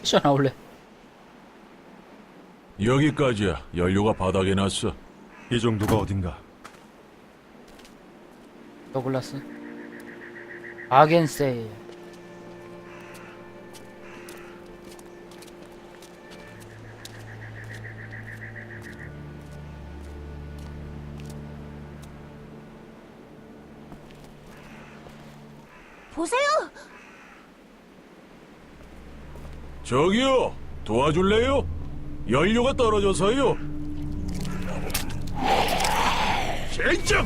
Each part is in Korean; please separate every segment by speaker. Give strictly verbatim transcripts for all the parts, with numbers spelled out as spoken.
Speaker 1: 미션 나올래.
Speaker 2: 여기까지야. 연료가 바닥에 났어.
Speaker 3: 이 정도가 어딘가.
Speaker 1: 더글라스. 아겐세일.
Speaker 4: 보세요!
Speaker 2: 저기요, 도와줄래요? 연료가 떨어져서요. 젠장!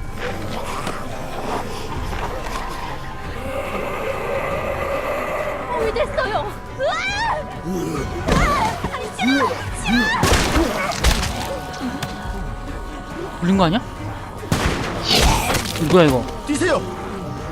Speaker 4: 물 됐어요! 으아! 으아! 아니, 싫어!
Speaker 1: 불린 거 아니야? 누구야 이거?
Speaker 3: 뛰세요.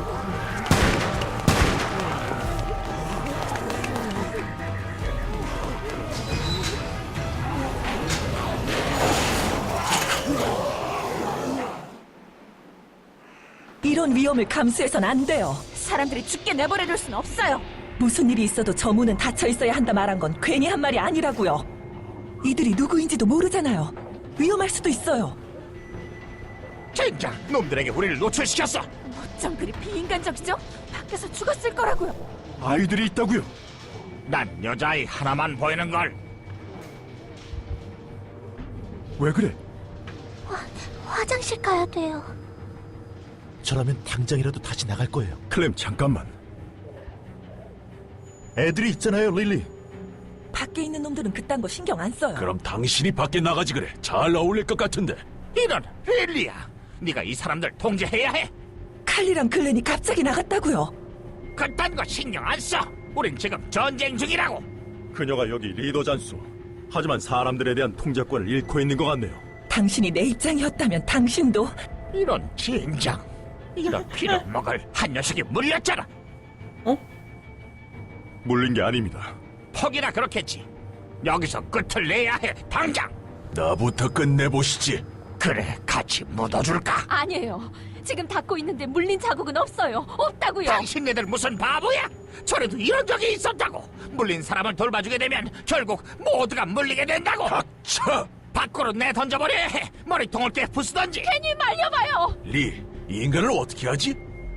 Speaker 5: 이런 위험을 감수해선 안 돼요.
Speaker 4: 사람들이 죽게 내버려둘 순 없어요!
Speaker 5: 무슨 일이 있어도 저 문은 닫혀 있어야 한다 말한 건 괜히 한 말이 아니라고요. 이들이 누구인지도 모르잖아요. 위험할 수도 있어요.
Speaker 6: 젠장! 놈들에게 우리를 노출시켰어!
Speaker 4: 어쩜 그리 비인간적이죠? 밖에서 죽었을 거라고요!
Speaker 3: 아이들이 있다고요.
Speaker 6: 난 여자아이 하나만 보이는걸.
Speaker 3: 왜 그래?
Speaker 4: 화장실 가야 돼요.
Speaker 7: 저라면 당장이라도 다시 나갈 거예요.
Speaker 3: 클램 잠깐만. 애들이 있잖아요, 릴리.
Speaker 5: 밖에 있는 놈들은 그딴 거 신경 안 써요.
Speaker 2: 그럼 당신이 밖에 나가지 그래. 잘 어울릴 것 같은데.
Speaker 6: 이런 릴리야, 네가 이 사람들 통제해야 해.
Speaker 5: 칼리랑 글렌이 갑자기 나갔다고요.
Speaker 6: 그딴 거 신경 안 써. 우린 지금 전쟁 중이라고.
Speaker 3: 그녀가 여기 리더잖소. 하지만 사람들에 대한 통제권을 잃고 있는 것 같네요.
Speaker 5: 당신이 내 입장이었다면 당신도
Speaker 6: 이런 젠장. 이런 피를 먹을 한 녀석이 물렸잖아.
Speaker 3: 물린 게 아닙니다.
Speaker 6: 퍽이나 그렇겠지. 여기서 끝을 내야 해, 당장.
Speaker 2: 나부터 끝내보시지.
Speaker 6: 그래, 같이 묻어줄까?
Speaker 4: 아니에요. 지금 닫고 있는데 물린 자국은 없어요. 없다고요.
Speaker 6: 당신네들 무슨 바보야? 전에도 이런 적이 있었다고. 물린 사람을 돌봐주게 되면 결국 모두가 물리게 된다고.
Speaker 2: 닥쳐!
Speaker 6: 밖으로 내던져버려야 해. 머리통을 깨 부수던지.
Speaker 4: 괜히 말려봐요.
Speaker 2: 리, 이 인간을 어떻게 하지?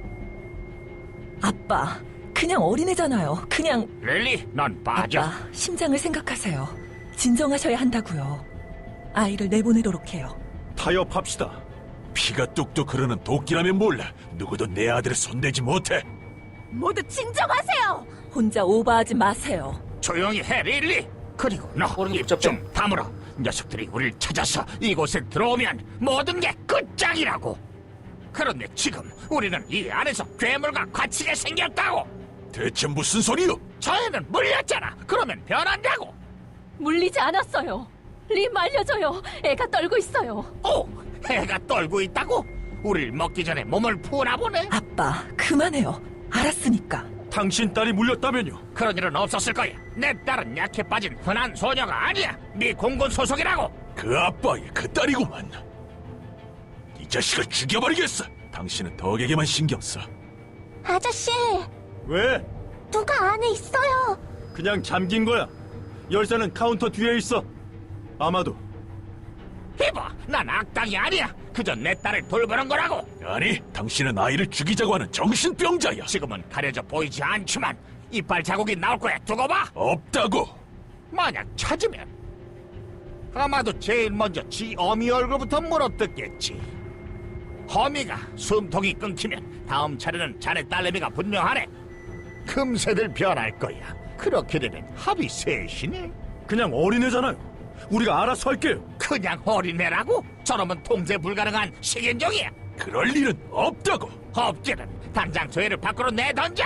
Speaker 5: 아빠 그냥 어린애잖아요. 그냥
Speaker 6: 릴리, 넌 빠져.
Speaker 5: 아빠 심장을 생각하세요. 진정하셔야 한다고요. 아이를 내보내도록 해요.
Speaker 3: 타협합시다.
Speaker 2: 피가 뚝뚝 흐르는 도끼라면 몰라. 누구도 내 아들을 손대지 못해.
Speaker 4: 모두 진정하세요.
Speaker 5: 혼자 오버하지 마세요.
Speaker 6: 조용히 해, 릴리. 그리고 너
Speaker 1: 머리는
Speaker 6: 입
Speaker 1: 붙잡고.
Speaker 6: 좀 다물어. 녀석들이 우릴 찾아서 이곳에 들어오면 모든 게 끝장이라고. 그런데 지금 우리는 이 안에서 괴물과 갇히게 생겼다고.
Speaker 2: 대체 무슨 소리요?
Speaker 6: 저 애는 물렸잖아. 그러면 변한다고.
Speaker 4: 물리지 않았어요. 리 말려줘요. 애가 떨고 있어요.
Speaker 6: 오, 애가 떨고 있다고? 우릴 먹기 전에 몸을 푸나 보네.
Speaker 5: 아빠 그만해요. 알았으니까.
Speaker 3: 당신 딸이 물렸다면요.
Speaker 6: 그런 일은 없었을 거야. 내 딸은 약해 빠진 흔한 소녀가 아니야. 네 공군 소속이라고.
Speaker 2: 그 아빠의 그 딸이구만. 이 자식을 죽여버리겠어. 당신은 덕에게만 신경 써.
Speaker 4: 아저씨,
Speaker 3: 왜?
Speaker 4: 누가 안에 있어요.
Speaker 3: 그냥 잠긴 거야. 열쇠는 카운터 뒤에 있어. 아마도.
Speaker 6: 이봐, 난 악당이 아니야. 그저 내 딸을 돌보는 거라고.
Speaker 2: 아니, 당신은 아이를 죽이자고 하는 정신병자야.
Speaker 6: 지금은 가려져 보이지 않지만 이빨 자국이 나올 거야. 두고 봐.
Speaker 2: 없다고.
Speaker 6: 만약 찾으면 아마도 제일 먼저 지 어미 얼굴부터 물어뜯겠지. 허미가 숨통이 끊기면 다음 차례는 자네 딸내미가 분명하네. 금세들 변할 거야. 그렇게 되면 합이 셋이네.
Speaker 3: 그냥 어린애잖아요. 우리가 알아서 할게요.
Speaker 6: 그냥 어린애라고? 저놈은 통제 불가능한 식인종이야.
Speaker 2: 그럴 일은 없다고.
Speaker 6: 없기는 당장 저 애를 밖으로 내던져.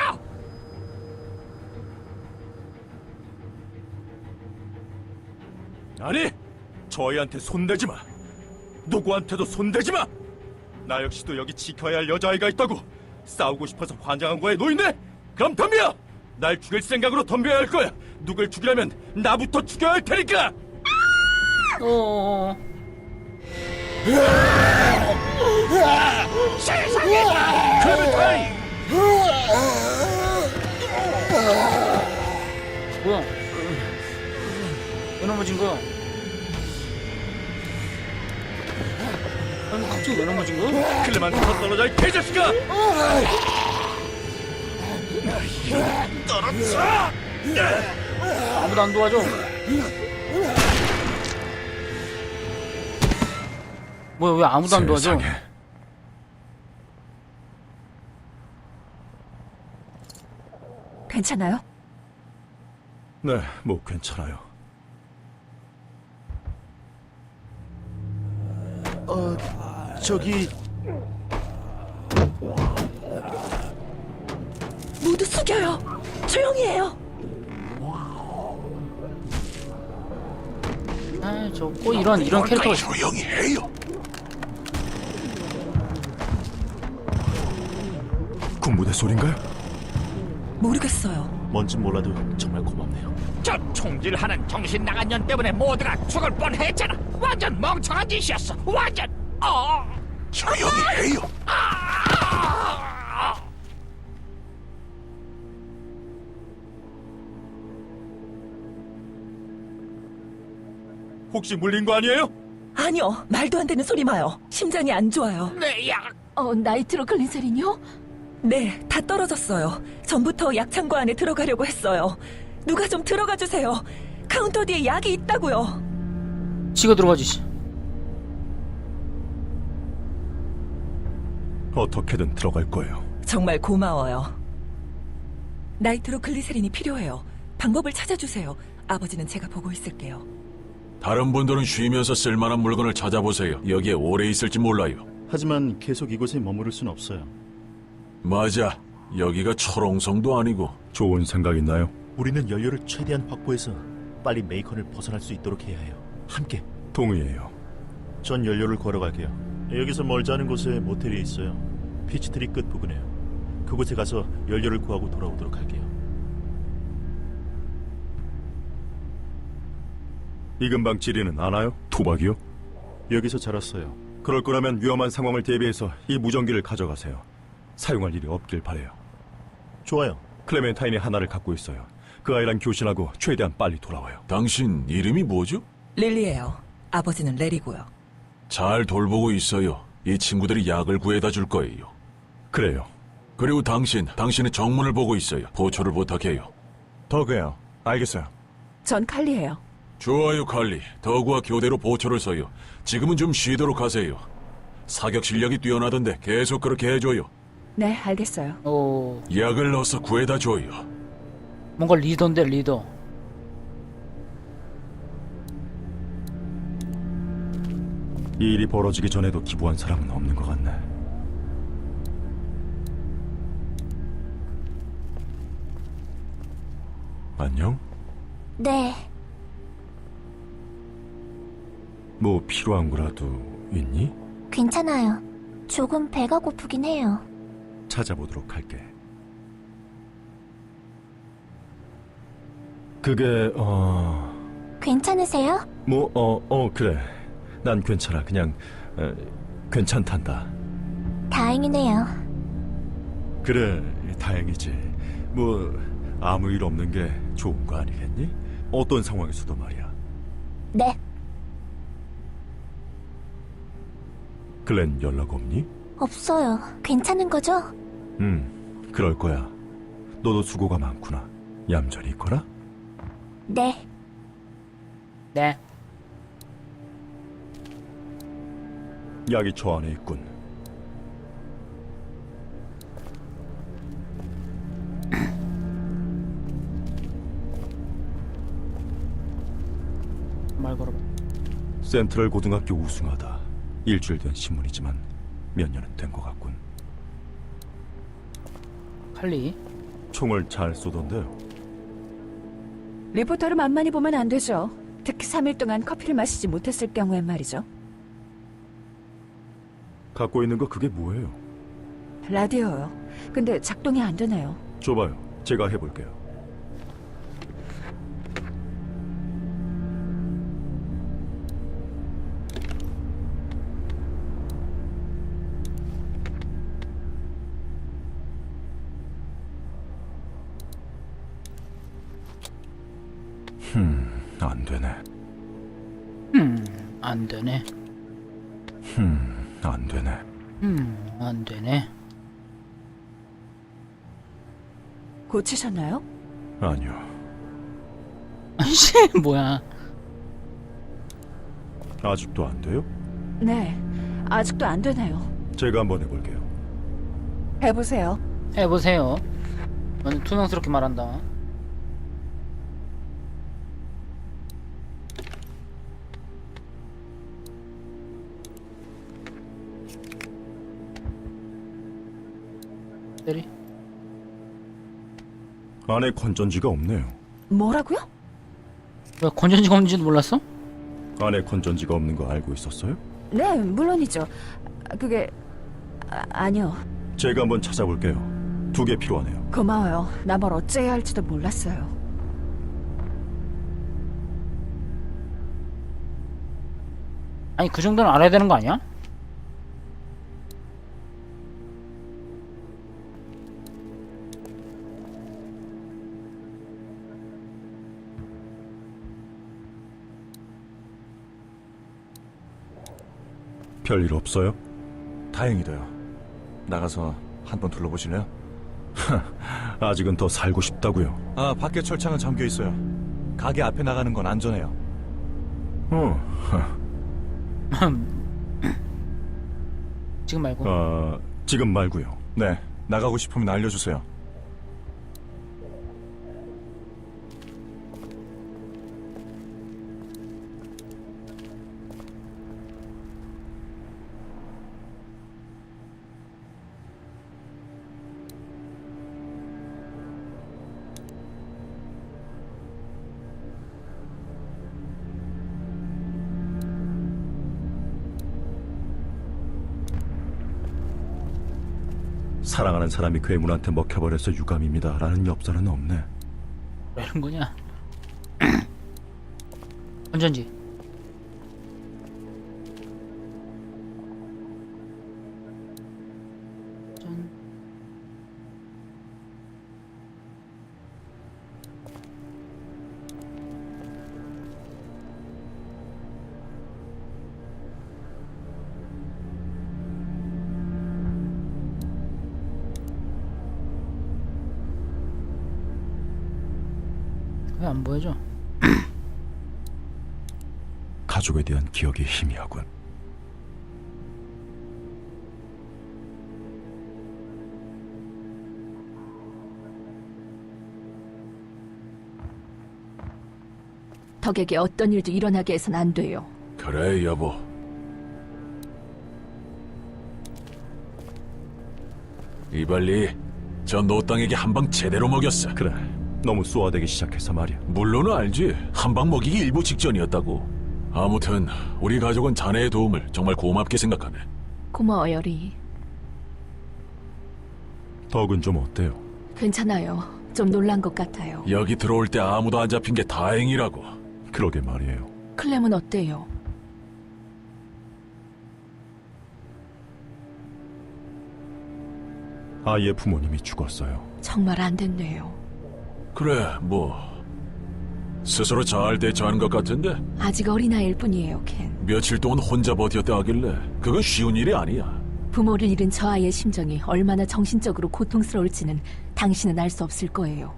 Speaker 3: 아니, 저희한테 손대지 마. 누구한테도 손대지 마. 나 역시도 여기 지켜야 할 여자아이가 있다고. 싸우고 싶어서 환장한 거에 노인네? 그럼 덤벼! 날 죽일 생각으로 덤벼야 할 거야. 누굴 죽이려면 나부터 죽여야 할 테니까.
Speaker 1: 어.
Speaker 6: 세상에!
Speaker 3: 클레멘타인!
Speaker 1: 뭐야? 왜 넘어진 거야? 아니 갑자기 왜 넘어진 거야?
Speaker 3: 클레만 더 떨어져 이 개자식아!
Speaker 1: 아무도 안 도와줘. 뭐야 왜 아무도 안 도와줘?
Speaker 2: 세상에.
Speaker 4: 괜찮아요?
Speaker 3: 네, 뭐 괜찮아요.
Speaker 7: 어, 저기
Speaker 5: 모두 숙여요. 조용히 해요.
Speaker 1: 아저꼭 이런 이런 캐릭터가 있어.
Speaker 2: 조용히 해요.
Speaker 3: 군부대 소린가요?
Speaker 5: 모르겠어요.
Speaker 7: 뭔진 몰라도 정말 고맙네요.
Speaker 6: 저 총질하는 정신 나간 년 때문에 모두가 죽을 뻔했잖아. 완전 멍청한 짓이었어. 완전. 어.
Speaker 2: 조용히 해요.
Speaker 3: 혹시 물린 거 아니에요?
Speaker 5: 아니요, 말도 안 되는 소리 마요. 심장이 안 좋아요.
Speaker 6: 내 약.
Speaker 4: 어, 나이트로글리세린이요?
Speaker 5: 네, 다 떨어졌어요. 전부터 약창고 안에 들어가려고 했어요. 누가 좀 들어가 주세요. 카운터 뒤에 약이 있다고요.
Speaker 1: 치고 들어가지. 씨.
Speaker 3: 어떻게든 들어갈 거예요.
Speaker 5: 정말 고마워요. 나이트로글리세린이 필요해요. 방법을 찾아주세요. 아버지는 제가 보고 있을게요.
Speaker 2: 다른 분들은 쉬면서 쓸만한 물건을 찾아보세요. 여기에 오래 있을지 몰라요.
Speaker 8: 하지만 계속 이곳에 머무를 순 없어요.
Speaker 2: 맞아. 여기가 철옹성도 아니고.
Speaker 3: 좋은 생각 있나요?
Speaker 7: 우리는 연료를 최대한 확보해서 빨리 메이컨을 벗어날 수 있도록 해야 해요. 함께.
Speaker 3: 동의해요.
Speaker 8: 전 연료를 걸어갈게요. 여기서 멀지 않은 곳에 모텔이 있어요. 피치트리 끝 부근에요. 그곳에 가서 연료를 구하고 돌아오도록 할게요.
Speaker 3: 이 근방 지리는 아나요? 토박이요?
Speaker 8: 여기서 자랐어요.
Speaker 3: 그럴 거라면 위험한 상황을 대비해서 이 무전기를 가져가세요. 사용할 일이 없길 바래요.
Speaker 8: 좋아요.
Speaker 3: 클레멘타인이 하나를 갖고 있어요. 그 아이랑 교신하고 최대한 빨리 돌아와요.
Speaker 2: 당신 이름이 뭐죠?
Speaker 5: 릴리예요. 아버지는 레리고요.
Speaker 2: 잘 돌보고 있어요. 이 친구들이 약을 구해다 줄 거예요.
Speaker 3: 그래요.
Speaker 2: 그리고 당신, 당신의 정문을 보고 있어요. 보초를 부탁해요.
Speaker 3: 더그요. 알겠어요.
Speaker 4: 전 칼리예요.
Speaker 2: 좋아요, 칼리. 더구와 교대로 보초를 서요. 지금은 좀 쉬도록 하세요. 사격 실력이 뛰어나던데 계속 그렇게 해줘요.
Speaker 4: 네, 알겠어요.
Speaker 1: 오
Speaker 2: 약을 넣어서 구해다 줘요.
Speaker 1: 뭔가 리더인데 리더.
Speaker 3: 이 일이 벌어지기 전에도 기부한 사람은 없는 것 같네. 안녕?
Speaker 9: 네,
Speaker 3: 뭐 필요한 거라도 있니?
Speaker 9: 괜찮아요. 조금 배가 고프긴 해요.
Speaker 3: 찾아보도록 할게. 그게 어...
Speaker 9: 괜찮으세요?
Speaker 3: 뭐 어... 어 그래. 난 괜찮아. 그냥 어, 괜찮단다.
Speaker 9: 다행이네요.
Speaker 3: 그래, 다행이지. 뭐 아무 일 없는 게 좋은 거 아니겠니? 어떤 상황에서도 말이야.
Speaker 9: 네,
Speaker 3: 글렌 연락 없니?
Speaker 9: 없어요. 괜찮은 거죠?
Speaker 3: 음, 그럴 거야. 너도 수고가 많구나. 얌전히 있거라.
Speaker 9: 네,
Speaker 1: 네.
Speaker 3: 약이 저 안에 있군.
Speaker 1: 말 걸어봐.
Speaker 3: 센트럴 고등학교 우승하다. 일주일 된 신문이지만 몇 년은 된 것 같군.
Speaker 1: 칼리.
Speaker 3: 총을 잘 쏘던데요.
Speaker 4: 리포터를 만만히 보면 안 되죠. 특히 삼 일 동안 커피를 마시지 못했을 경우엔 말이죠.
Speaker 3: 갖고 있는 거 그게 뭐예요?
Speaker 4: 라디오요. 근데 작동이 안 되네요.
Speaker 3: 줘봐요. 제가 해볼게요. 흠, 안 되네.
Speaker 1: 음, 안 되네.
Speaker 3: 음, 안 되네.
Speaker 1: 음, 안 되네.
Speaker 5: 고치셨나요?
Speaker 3: 아니요.
Speaker 1: 아씨, 뭐야.
Speaker 3: 아직도 안 돼요?
Speaker 5: 네, 아직도 안 되네요.
Speaker 3: 제가 한번 해볼게요.
Speaker 5: 해보세요.
Speaker 1: 해보세요. 저는 투명스럽게 말한다. 때리.
Speaker 3: 안에 건전지가 없네요.
Speaker 5: 뭐라고요?
Speaker 1: 왜 건전지가 없는지도 몰랐어?
Speaker 3: 안에 건전지가 없는 거 알고 있었어요?
Speaker 5: 네, 물론이죠. 그게 아, 아니요.
Speaker 3: 제가 한번 찾아볼게요. 두 개 필요하네요.
Speaker 5: 고마워요. 나 뭘 어째야 할지도 몰랐어요.
Speaker 1: 아니 그 정도는 알아야 되는 거 아니야?
Speaker 3: 별일 없어요?
Speaker 10: 다행이다요. 나가서 한번 둘러보실래요?
Speaker 3: 아직은 더 살고 싶다고요.
Speaker 10: 아, 밖에 철창은 잠겨 있어요. 가게 앞에 나가는 건 안전해요.
Speaker 3: 어,
Speaker 1: 지금 말고.
Speaker 3: 아, 지금 말고요.
Speaker 10: 네, 나가고 싶으면 알려주세요.
Speaker 3: 사랑하는 사람이 괴물한테 먹혀버려서 유감입니다 라는 엽서는 없네.
Speaker 1: 왜 이런 거냐? 건전지. 전... 왜 안 보여줘?
Speaker 3: 가족에 대한 기억이 희미하군.
Speaker 4: 덕에게 어떤 일도 일어나게 해선 안 돼요.
Speaker 2: 그래, 여보. 이발리, 저 노땅에게 한 방 제대로 먹였어.
Speaker 3: 그래, 너무 쏘아대기 시작해서 말이야.
Speaker 2: 물론 알지. 한 방 먹이기 일보 직전이었다고. 아무튼 우리 가족은 자네의 도움을 정말 고맙게 생각하네.
Speaker 4: 고마워요, 리.
Speaker 3: 덕은 좀 어때요?
Speaker 4: 괜찮아요. 좀 놀란 것 같아요.
Speaker 2: 여기 들어올 때 아무도 안 잡힌 게 다행이라고.
Speaker 3: 그러게 말이에요.
Speaker 4: 클램은 어때요?
Speaker 3: 아이의 부모님이 죽었어요.
Speaker 4: 정말 안 됐네요.
Speaker 2: 그래, 뭐 스스로 잘 대처하는 것 같은데
Speaker 4: 아직 어린아이일 뿐이에요, 켄.
Speaker 2: 며칠 동안 혼자 버텼다 하길래 그건 쉬운 일이 아니야.
Speaker 4: 부모를 잃은 저 아이의 심정이 얼마나 정신적으로 고통스러울지는 당신은 알 수 없을 거예요.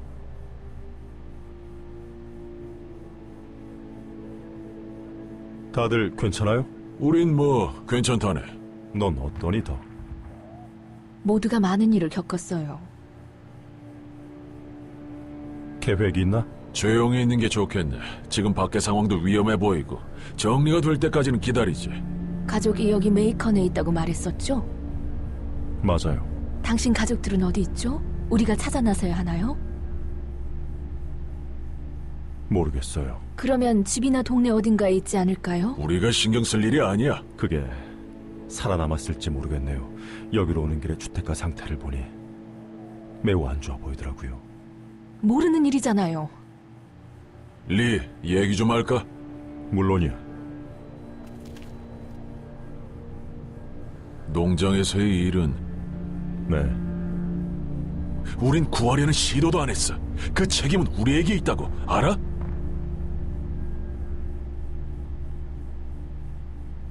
Speaker 3: 다들 괜찮아요?
Speaker 2: 우린 뭐 괜찮다네.
Speaker 3: 넌 어떠니, 덕?
Speaker 4: 모두가 많은 일을 겪었어요.
Speaker 3: 계획이 있나?
Speaker 2: 조용히 있는 게 좋겠네. 지금 밖의 상황도 위험해 보이고 정리가 될 때까지는 기다리지.
Speaker 4: 가족이 여기 메이컨에 있다고 말했었죠?
Speaker 3: 맞아요.
Speaker 4: 당신 가족들은 어디 있죠? 우리가 찾아 나서야 하나요?
Speaker 3: 모르겠어요.
Speaker 4: 그러면 집이나 동네 어딘가에 있지 않을까요?
Speaker 2: 우리가 신경 쓸 일이 아니야.
Speaker 3: 그게 살아남았을지 모르겠네요. 여기로 오는 길에 주택가 상태를 보니 매우 안 좋아 보이더라고요.
Speaker 4: 모르는 일이잖아요.
Speaker 2: 리, 얘기 좀 할까?
Speaker 3: 물론이야.
Speaker 2: 농장에서의 일은
Speaker 3: 네.
Speaker 2: 우린 구하려는 시도도 안 했어. 그 책임은 우리에게 있다고 알아?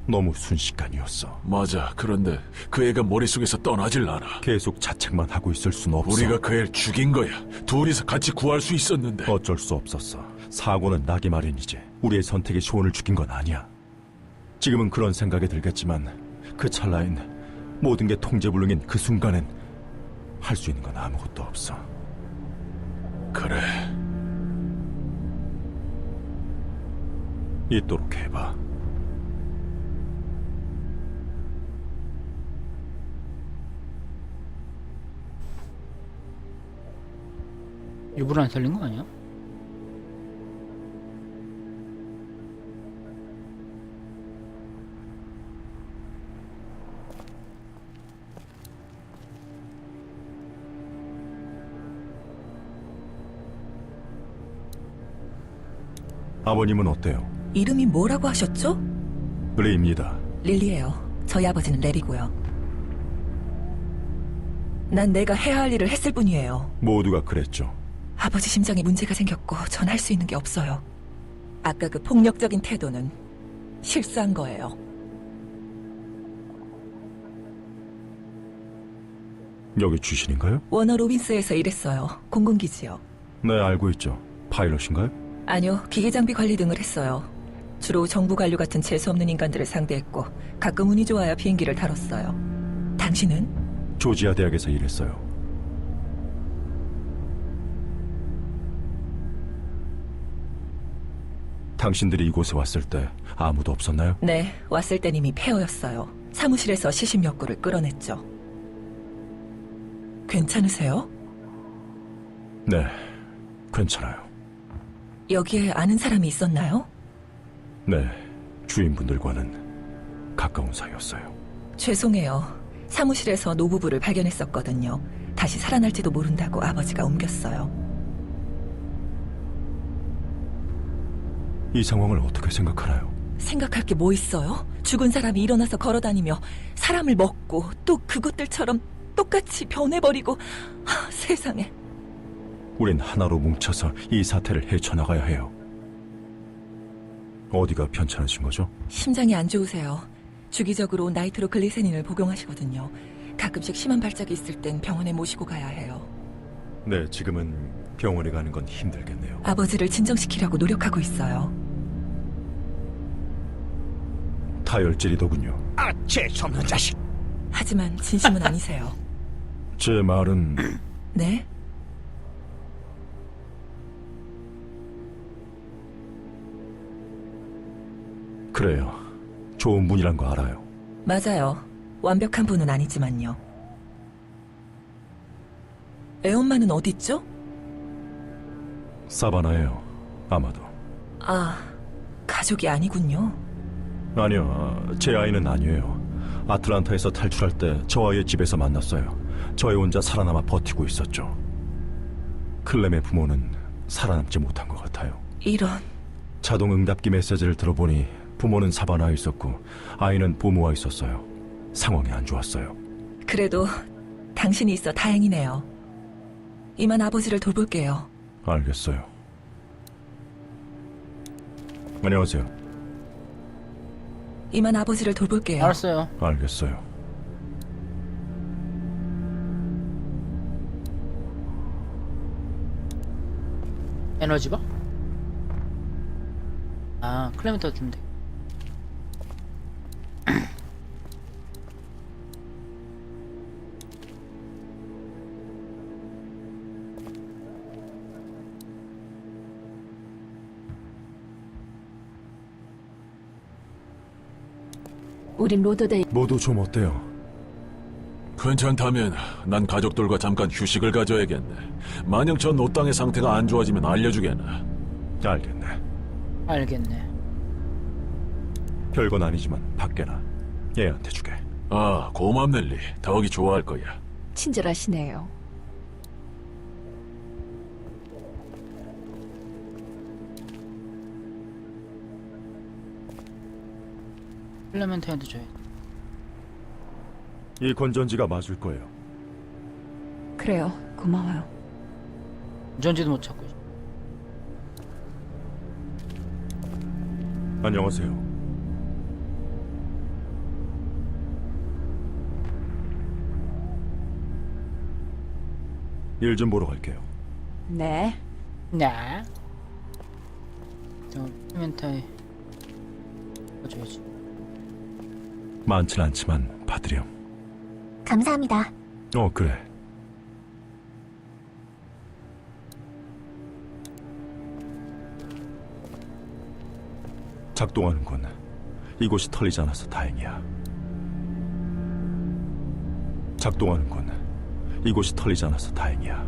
Speaker 10: 너무 순식간이었어.
Speaker 2: 맞아. 그런데 그 애가 머릿속에서 떠나질 않아.
Speaker 10: 계속 자책만 하고 있을 순 없어.
Speaker 2: 우리가 그 애를 죽인 거야. 둘이서 같이 구할 수 있었는데.
Speaker 10: 어쩔 수 없었어. 사고는 나기 마련이지. 우리의 선택이 쇼원을 죽인 건 아니야. 지금은 그런 생각이 들겠지만 그 찰나엔 모든 게 통제불능인 그 순간엔 할 수 있는 건 아무것도 없어.
Speaker 2: 그래.
Speaker 10: 있도록 해봐.
Speaker 1: 일부러 안 살린 거 아니야?
Speaker 10: 아버님은 어때요?
Speaker 5: 이름이 뭐라고 하셨죠?
Speaker 10: 레이입니다.
Speaker 5: 릴리예요. 저희 아버지는 렐이고요. 난 내가 해야 할 일을 했을 뿐이에요.
Speaker 10: 모두가 그랬죠.
Speaker 5: 아버지 심장에 문제가 생겼고 전 할 수 있는 게 없어요. 아까 그 폭력적인 태도는 실수한 거예요.
Speaker 10: 여기 주신인가요?
Speaker 5: 워너 로빈스에서 일했어요. 공군기지요.
Speaker 10: 네, 알고 있죠. 파일럿인가요?
Speaker 5: 아니요, 기계 장비 관리 등을 했어요. 주로 정부 관료 같은 재수없는 인간들을 상대했고 가끔 운이 좋아야 비행기를 다뤘어요. 당신은?
Speaker 10: 조지아 대학에서 일했어요. 당신들이 이곳에 왔을 때 아무도 없었나요?
Speaker 5: 네, 왔을 땐 이미 폐허였어요. 사무실에서 시심 욕구를 끌어냈죠. 괜찮으세요?
Speaker 10: 네, 괜찮아요.
Speaker 5: 여기에 아는 사람이 있었나요?
Speaker 10: 네, 주인분들과는 가까운 사이였어요.
Speaker 5: 죄송해요. 사무실에서 노부부를 발견했었거든요. 다시 살아날지도 모른다고 아버지가 옮겼어요.
Speaker 10: 이 상황을 어떻게 생각하나요?
Speaker 5: 생각할 게 뭐 있어요? 죽은 사람이 일어나서 걸어다니며 사람을 먹고 또 그것들처럼 똑같이 변해버리고 하, 세상에.
Speaker 10: 우린 하나로 뭉쳐서 이 사태를 헤쳐나가야 해요. 어디가 편찮으신 거죠?
Speaker 5: 심장이 안 좋으세요. 주기적으로 나이트로글리세닌을 복용하시거든요. 가끔씩 심한 발작이 있을 땐 병원에 모시고 가야 해요.
Speaker 10: 네, 지금은 병원에 가는 건 힘들겠네요.
Speaker 5: 아버지를 진정시키려고 노력하고 있어요.
Speaker 10: 다혈질이더군요.
Speaker 6: 아, 재수없는 자식.
Speaker 5: 하지만 진심은 아니세요.
Speaker 10: 제 말은
Speaker 5: 네?
Speaker 10: 그래요. 좋은 분이란 거 알아요.
Speaker 5: 맞아요. 완벽한 분은 아니지만요. 애엄마는 어딨죠?
Speaker 10: 사바나예요. 아마도.
Speaker 5: 아, 가족이 아니군요.
Speaker 10: 아니요, 제 아이는 아니에요. 아틀란타에서 탈출할 때 저 아이의 집에서 만났어요. 저희 혼자 살아남아 버티고 있었죠. 클렘의 부모는 살아남지 못한 것 같아요.
Speaker 5: 이런...
Speaker 10: 자동 응답기 메시지를 들어보니 부모는 사바나에 있었고 아이는 부모와 있었어요. 상황이 안 좋았어요.
Speaker 5: 그래도 당신이 있어 다행이네요. 이만 아버지를 돌볼게요.
Speaker 10: 알겠어요. 안녕하세요.
Speaker 5: 이만 아버지를 돌볼게요.
Speaker 1: 알았어요.
Speaker 10: 알겠어요.
Speaker 1: 에너지바? 아, 클레멘터 주면 돼.
Speaker 4: 우린 로더데일
Speaker 10: 모두 좀 어때요?
Speaker 2: 괜찮다면 난 가족들과 잠깐 휴식을 가져야겠네. 만약 저 노땅의 상태가 안 좋아지면 알려주겠나.
Speaker 10: 알겠네.
Speaker 1: 알겠네.
Speaker 10: 별건 아니지만 밖에나 얘한테 주게.
Speaker 2: 아, 고맙네, 리. 더욱이 좋아할 거야.
Speaker 4: 친절하시네요.
Speaker 1: 클레멘트한테 줘야 돼.
Speaker 10: 이 건전지가 맞을 거예요.
Speaker 4: 그래요. 고마워요.
Speaker 1: 전지도 못 찾고.
Speaker 10: 안녕하세요. 일 좀 보러 갈게요.
Speaker 5: 네.
Speaker 1: 네. 저 클레멘타인 줘야지.
Speaker 10: 많진 않지만 받으렴.
Speaker 9: 감사합니다.
Speaker 10: 어, 그래. 작동하는군. 이곳이 털리지 않아서 다행이야. 작동하는군. 이곳이 털리지 않아서 다행이야.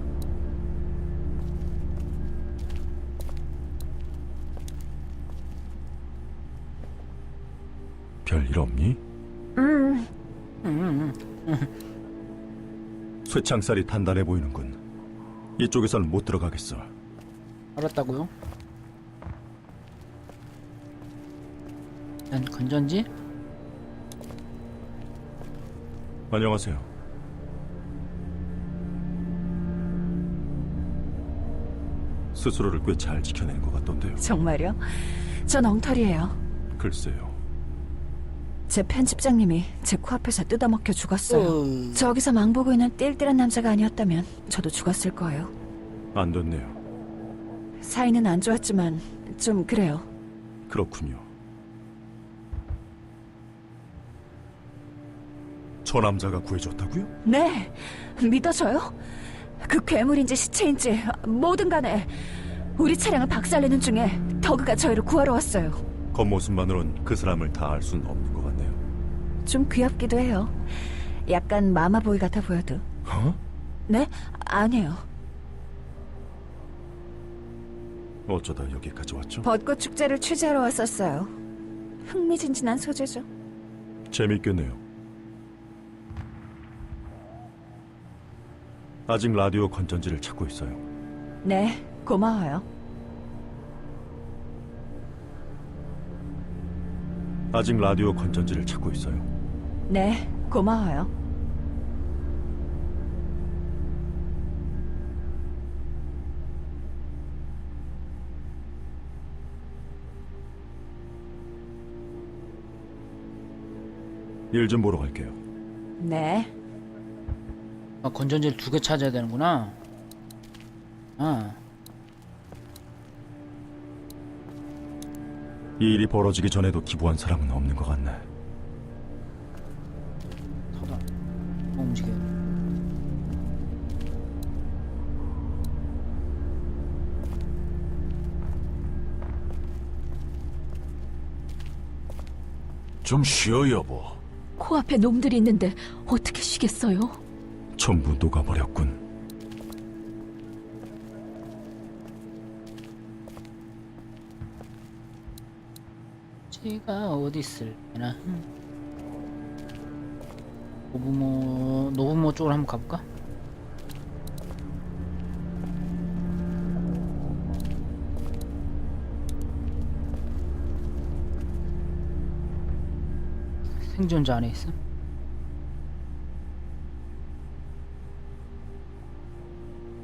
Speaker 10: 별일 없니?
Speaker 9: 음,
Speaker 1: 음, 음.
Speaker 10: 쇠창살이 단단해 보이는군. 이쪽에선 못 들어가겠어.
Speaker 1: 알았다고요? 난 건전지?
Speaker 10: 안녕하세요. 스스로를 꽤 잘 지켜내는 것 같던데요.
Speaker 5: 정말요? 전 엉터리예요.
Speaker 10: 글쎄요.
Speaker 5: 제 편집장님이 제 코앞에서 뜯어먹혀 죽었어요.
Speaker 1: 어...
Speaker 5: 저기서 망보고 있는 띨띨한 남자가 아니었다면 저도 죽었을 거예요.
Speaker 10: 안 됐네요.
Speaker 5: 사이는 안 좋았지만 좀 그래요.
Speaker 10: 그렇군요. 저 남자가 구해줬다고요?
Speaker 5: 네, 믿어져요? 그 괴물인지 시체인지 뭐든 간에 우리 차량을 박살내는 중에 더그가 저희를 구하러 왔어요.
Speaker 10: 겉모습만으론 그 사람을 다 알 수는 없는 것 같네요.
Speaker 5: 좀 귀엽기도 해요. 약간 마마보이 같아 보여도.
Speaker 10: 어?
Speaker 5: 네? 아니에요.
Speaker 10: 어쩌다 여기까지 왔죠?
Speaker 5: 벚꽃 축제를 취재하러 왔었어요. 흥미진진한 소재죠.
Speaker 10: 재밌겠네요. 아직 라디오 건전지를 찾고 있어요.
Speaker 5: 네, 고마워요.
Speaker 10: 아직 라디오 건전지를 찾고 있어요.
Speaker 5: 네, 고마워요.
Speaker 10: 일 좀 보러 갈게요.
Speaker 5: 네.
Speaker 1: 아, 건전지를 두 개 찾아야 되는구나. 아,
Speaker 10: 이 일이 벌어지기 전에도 기부한 사람은 없는 것 같네.
Speaker 1: 터다. 어, 움직여.
Speaker 2: 좀 쉬어, 여보.
Speaker 4: 코앞에 놈들이 있는데 어떻게 쉬겠어요?
Speaker 10: 전부 녹아버렸군.
Speaker 1: 지가 어디 있을까나. 노부모 노부모 쪽으로 한번 가볼까? 생존자 안에 있어?